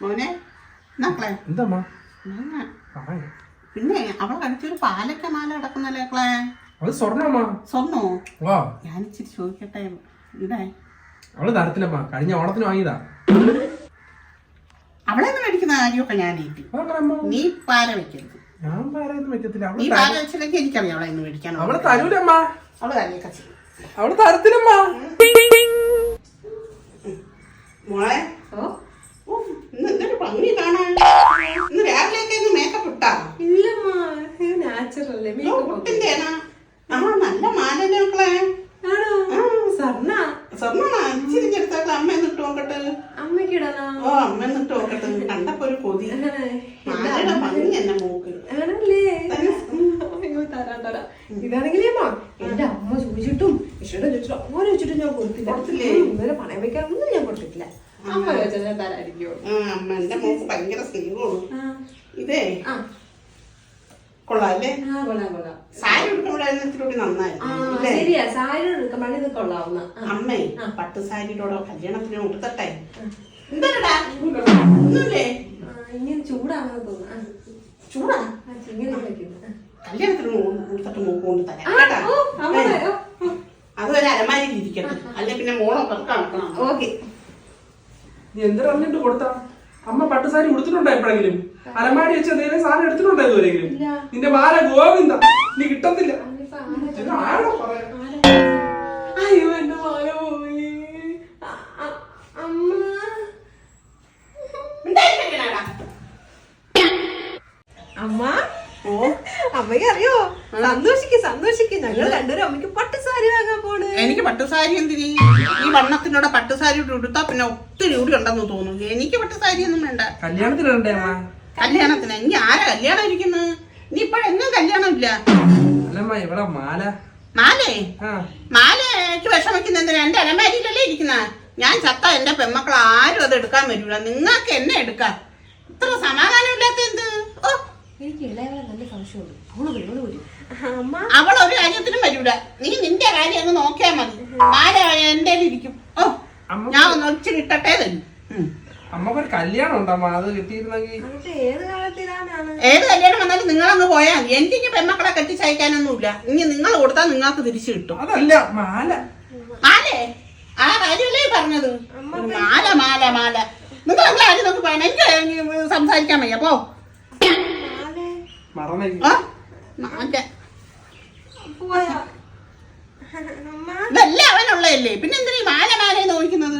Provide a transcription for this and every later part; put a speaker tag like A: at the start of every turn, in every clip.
A: മോനെ മക്കളെ
B: എന്താ
A: പിന്നെ അവൾ കഴിച്ചൊരു പാലക്ക മാല കിടക്കുന്നല്ലേ മക്കളെ?
B: അത് സ്വർണ്ണോ?
A: ഞാൻ ഇച്ചിരി ചോദിക്കട്ടെ ഇവിടെ
B: അവള് തരത്തില്ലമ്മ, കഴിഞ്ഞ ഓണത്തിന് വാങ്ങിയതാ.
A: അവളെ മേടിക്കുന്ന കാര്യമൊക്കെ ഞാൻ ഏറ്റി. നീ പാല വെക്കരുത്.
B: ഞാൻ പാലൊന്നും വെക്കത്തില്ല.
A: നീ പാല വെച്ചില്ലെങ്കിൽ എനിക്കറിയാം അവളെ ഇന്ന് മേടിക്കാൻ.
B: അവള് തരൂലമ്മ.
A: അവള് തന്നെയൊക്കെ ചെയ്യും.
B: അവള് തരത്തില്ലമ്മ.
A: മോളെ ഇന്ന് എന്തൊരു ഭംഗി കാണാൻ. ഇന്ന് രാവിലെയൊക്കെ ഇന്ന് മേക്കപ്പ് ഇട്ടാ? നല്ല മാലല്ലേ മക്കളെ? സ്വർണ്ണാണ്. അമ്മയെന്ന് ഇട്ട് നോക്കട്ടെ. ഓ അമ്മയെന്ന് ഇട്ട് നോക്കട്ടെ. കണ്ടപ്പോ ഒരു കൊതി. മാലയുടെ ഭംഗി എന്നെ മൂക്ക്.
C: ഇതാണെങ്കിലേ എന്റെ അമ്മ ചോദിച്ചിട്ടും ഇഷ്ടം ചോദിച്ചിട്ടും അങ്ങനെ വെച്ചിട്ടും ഞാൻ കൊടുത്തില്ല. ഇന്നലെ പണയം വെക്കാനൊന്നും ഞാൻ കൊടുത്തിട്ടില്ല. അമ്മ ചോദിച്ചാൽ ഞാൻ തരാതിരിക്കുമോ?
A: അമ്മ എന്റെ മൂക്ക് ഭയങ്കര സ്നേഹമാണ്. ഇതേ കൊള്ളാല്ലേ? സാരി ഉടുക്കുമ്പോഴൂടി നന്നായിരുന്നു.
C: ശരിയാ, സാരി ഉടുക്കുമ്പോൾ ഇത് കൊള്ളാവുന്ന.
A: അമ്മേ പട്ട് സാരിയോടെ കല്യാണത്തിന് ഉടുത്തട്ടെ. എന്താ ഒന്നുമില്ലേ?
C: ഇങ്ങനെ ചൂടാണെന്ന് തോന്നുന്നു.
A: ചൂടാ? കല്യാണത്തിന് ഉടുത്തിട്ട് മൂക്ക് കൊണ്ട് തരാം കേട്ടോ. അതൊരു അലമാരിയിൽ ഇരിക്കട്ടെ, അല്ലെ പിന്നെ മോളൊക്കെ കണക്കണം.
C: ഓക്കെ.
B: നീ എന്തിനാ പറഞ്ഞിട്ട് കൊടുത്താ? അമ്മ പട്ടുസാരി ഉടുത്തിട്ടുണ്ടോ എപ്പോഴെങ്കിലും? അലമാരി വെച്ച് എന്തെങ്കിലും സാധനം എടുത്തിട്ടുണ്ടോ ഇതുവരെങ്കിലും? നിന്റെ മാല ഗോവിന്ദ, നീ കിട്ടത്തില്ല.
C: അയ്യോ എന്റെ മാല പോയി. അമ്മ അമ്മ അമ്മയ്ക്ക് അറിയോ? സന്തോഷിക്ക് ഞങ്ങൾ രണ്ടുപേരും അമ്മയ്ക്ക് പട്ടുസാരി വാങ്ങാൻ പോണ്.
A: എനിക്ക് പട്ടുസാരി എന്തിന്? ഈ വണ്ണത്തിനോടെ പട്ടുസാരി ഉടുത്താ പിന്നെ ഒത്തിരി കൂടി ഉണ്ടെന്ന് തോന്നുന്നു. എനിക്ക് പട്ടുസാരി ഒന്നും വേണ്ട. കല്യാണത്തിന് ഇനി ആരാ കല്യാണം ഇരിക്കുന്നത്? ഇനി ഇപ്പഴെങ്ങും കല്യാണം ഇല്ല. മാലയ്ക്ക് വിഷം വെക്കുന്ന എന്തിനാ? എന്റെ അലമാരിയിലല്ലേ ഇരിക്കുന്ന. ഞാൻ ചത്ത എന്റെ പെമ്മക്കൾ ആരും അത് എടുക്കാൻ വരില്ല. നിങ്ങൾക്ക് എന്നെ എടുക്കാം. ഇത്ര സമാധാനമില്ലാത്ത എന്ത്? അവൾ ഒരു കാര്യത്തിനും വരൂല. നീ നിന്റെ കാര്യം അങ്ങ് നോക്കിയാ മതി. മാല എന്റെ ഇരിക്കും. ഓ ഞാൻ ഒന്ന് ഒച്ചിരി ഇട്ടട്ടേ തരും.
B: അമ്മക്കൊരു കല്യാണം ഉണ്ടമ്മ, അത് കിട്ടിയിരുന്നെങ്കിൽ.
A: ഏത് കല്യാണം വന്നാലും നിങ്ങളങ്ങ് പോയാൽ മതി. എനിക്കിനി പെമ്മക്കളെ കെട്ടിച്ചയക്കാനൊന്നുമില്ല. ഇനി നിങ്ങൾ കൊടുത്താൽ നിങ്ങൾക്ക് തിരിച്ചു കിട്ടും.
B: അതല്ല മാലേ
A: ആ കാര്യമല്ലേ പറഞ്ഞത്? മാല നിങ്ങൾ അങ്ങനെ ആരും നോക്കി പറയണം. എനിക്ക് സംസാരിക്കാൻ വയ്യ. പോ ഇതല്ലേ അവനുള്ളതല്ലേ, പിന്നെ എന്തിനാ മാല നോക്കുന്നത്?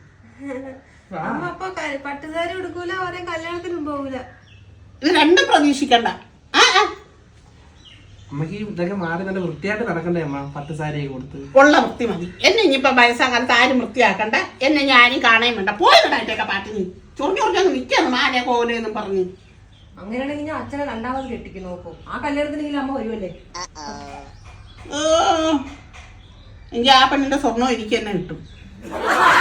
C: പട്ടുസാരി ഉടുക്കൂല, ഓരോ കല്യാണത്തിനും പോകൂല.
A: ഇത് രണ്ടും പ്രതീക്ഷിക്കണ്ട.
B: അമ്മക്ക് ഇതൊക്കെ മാറി നല്ല വൃത്തിയായിട്ട് നടക്കണ്ടേ അമ്മ? പട്ടുസാരി കൊടുത്ത്
A: ഉള്ള വൃത്തി മതി. എന്നെ ഇനിയിപ്പൊ വയസ്സാകാലത്ത് ആരും വൃത്തിയാക്കണ്ട. എന്നെ ഞാനും കാണാൻ വേണ്ട. പോയതായിട്ടൊക്കെ പാട്ടിന് ചൊറിഞ്ഞൊറിഞ്ഞൊന്ന് നിൽക്കാണ് മാല കോലെന്നും പറഞ്ഞു.
C: അങ്ങനെയാണെങ്കിൽ ഞാൻ അച്ഛനെ രണ്ടാമത് കെട്ടിക്ക് നോക്കും. ആ കല്യാണത്തിനെങ്കിലും അമ്മ വരുമല്ലേ?
A: എനിക്ക് ആ പെണ്ണിന്റെ സ്വർണ്ണം എനിക്ക് തന്നെ കിട്ടും.